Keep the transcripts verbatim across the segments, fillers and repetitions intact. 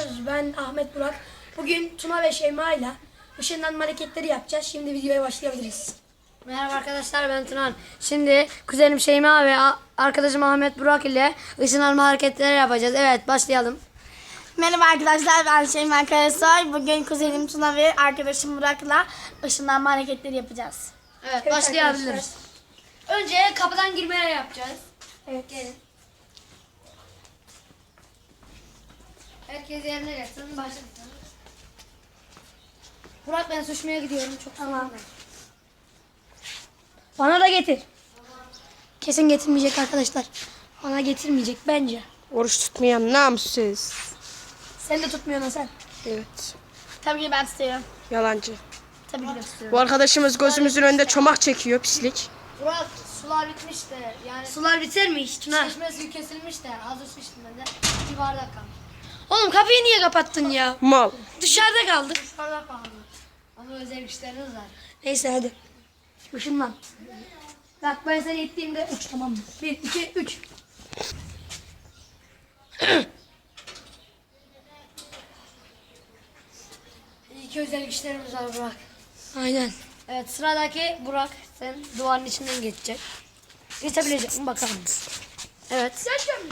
arkadaşlar. Ben Ahmet Burak. Bugün Tuna ve Şeyma ile ışınlanma hareketleri yapacağız. Şimdi videoya başlayabiliriz. Merhaba arkadaşlar, ben Tunan. Şimdi kuzenim Şeyma ve arkadaşım Ahmet Burak ile ışınlanma hareketleri yapacağız. Evet, başlayalım. Merhaba arkadaşlar, ben Şeyma Karasoy. Bugün kuzenim Tuna ve arkadaşım Burak'la ışınlanma hareketleri yapacağız. Evet, Evet başlayabiliriz. Önce kapıdan girmeye yapacağız. Evet. Gelin. Herkes yerine geçsin. Başlayalım. Burak, ben suçmaya gidiyorum. Çok Tamam. Bana da getir. Kesin getirmeyecek arkadaşlar. Bana getirmeyecek bence. Oruç tutmayan namussuz. Sen de tutmuyorsun sen. Evet. Tabii ki ben tutuyorum. Yalancı. Tabii ki de tutuyorum. Bu arkadaşımız gözümüzün önünde çomak çekiyor, pislik. Burak, sular bitmiş de yani Sular biter mi hiç Tuna? çeşme suyu kesilmiş de hazır su içtim ben de. Bir bardak kalmış. Oğlum kapıyı niye kapattın ya? Mal. Dışarıda kaldık. Dışarıda kalmış. Ama özel güçleriniz var. Neyse hadi. Işınlan. Bak ben seni ittiğimde uç, tamam mı? Bir, iki, üç. İyi ki özel güçlerimiz var Burak. Aynen. Evet, sıradaki Burak, sen duvarın içinden geçecek. Geçebilecek mi bakalım. Evet.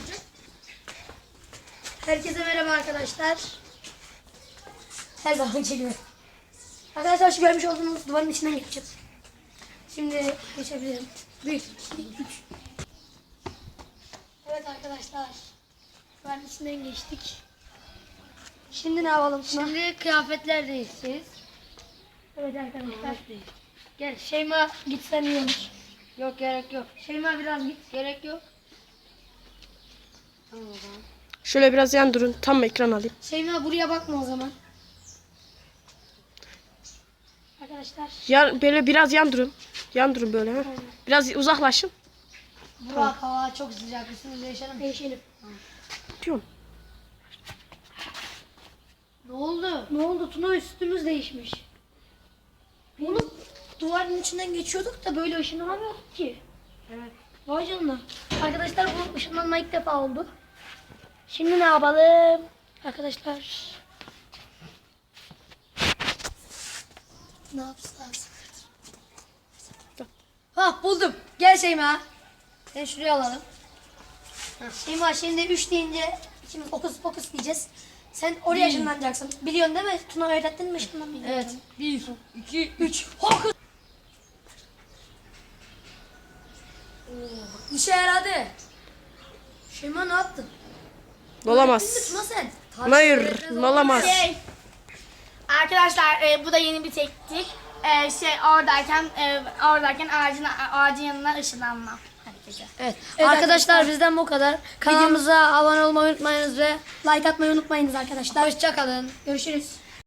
Herkese merhaba arkadaşlar. Her zaman gibi. Arkadaşlar şu görmüş olduğunuz duvarın içinden geçeceğim. Şimdi geçebilirim. Bir, iki, üç. Evet arkadaşlar. Duvarın içinden geçtik. Şimdi ne yapalım Tuna? Şimdi kıyafetler değişeceğiz. Evet arkadaşlar. Gel. Şeyma gitsen iyi olur. Yok, gerek yok. Şeyma biraz git. Gerek yok. Tamam o zaman. Şöyle biraz yan durun, tam ekran alayım. Şeyma buraya bakma o zaman. Arkadaşlar. Ya, böyle biraz yan durun. Yan durun böyle. Ha. Biraz uzaklaşın. Burak, hava çok sıcak. Üstümüzü değişelim. Değişelim. Diyorum. Ne oldu? Ne oldu Tuna, üstümüz değişmiş. Oğlum duvarın içinden geçiyorduk da böyle ışınlanamıyorduk ki. Evet. Vay canına. Arkadaşlar bu ışınlanma ilk defa oldu. Şimdi ne yapalım? Arkadaşlar. Ne yapacağız? Ha, buldum. Gel Şeyma. Seni şuraya alalım. Şeyma şimdi üç deyince ikimiz okus pokus diyeceğiz. Sen oraya ışınlanacaksın. Biliyorsun değil mi? Tuna öğrettin mi ışınlanmayı? Evet. Bir, iki, üç. Hokus. işe yaradı. Şeyma ne yaptın? Olamaz. Tuna sen. Hayır, olamaz. Şey, arkadaşlar e, bu da yeni bir teknik. E, şey oradayken e, oradayken ağacın ağacın yanına ışınlanma hareketi. Evet. Evet arkadaşlar, bizden bu kadar. Kanalımıza abone olmayı unutmayınız ve Like atmayı unutmayınız arkadaşlar. hoşça kalın. Görüşürüz.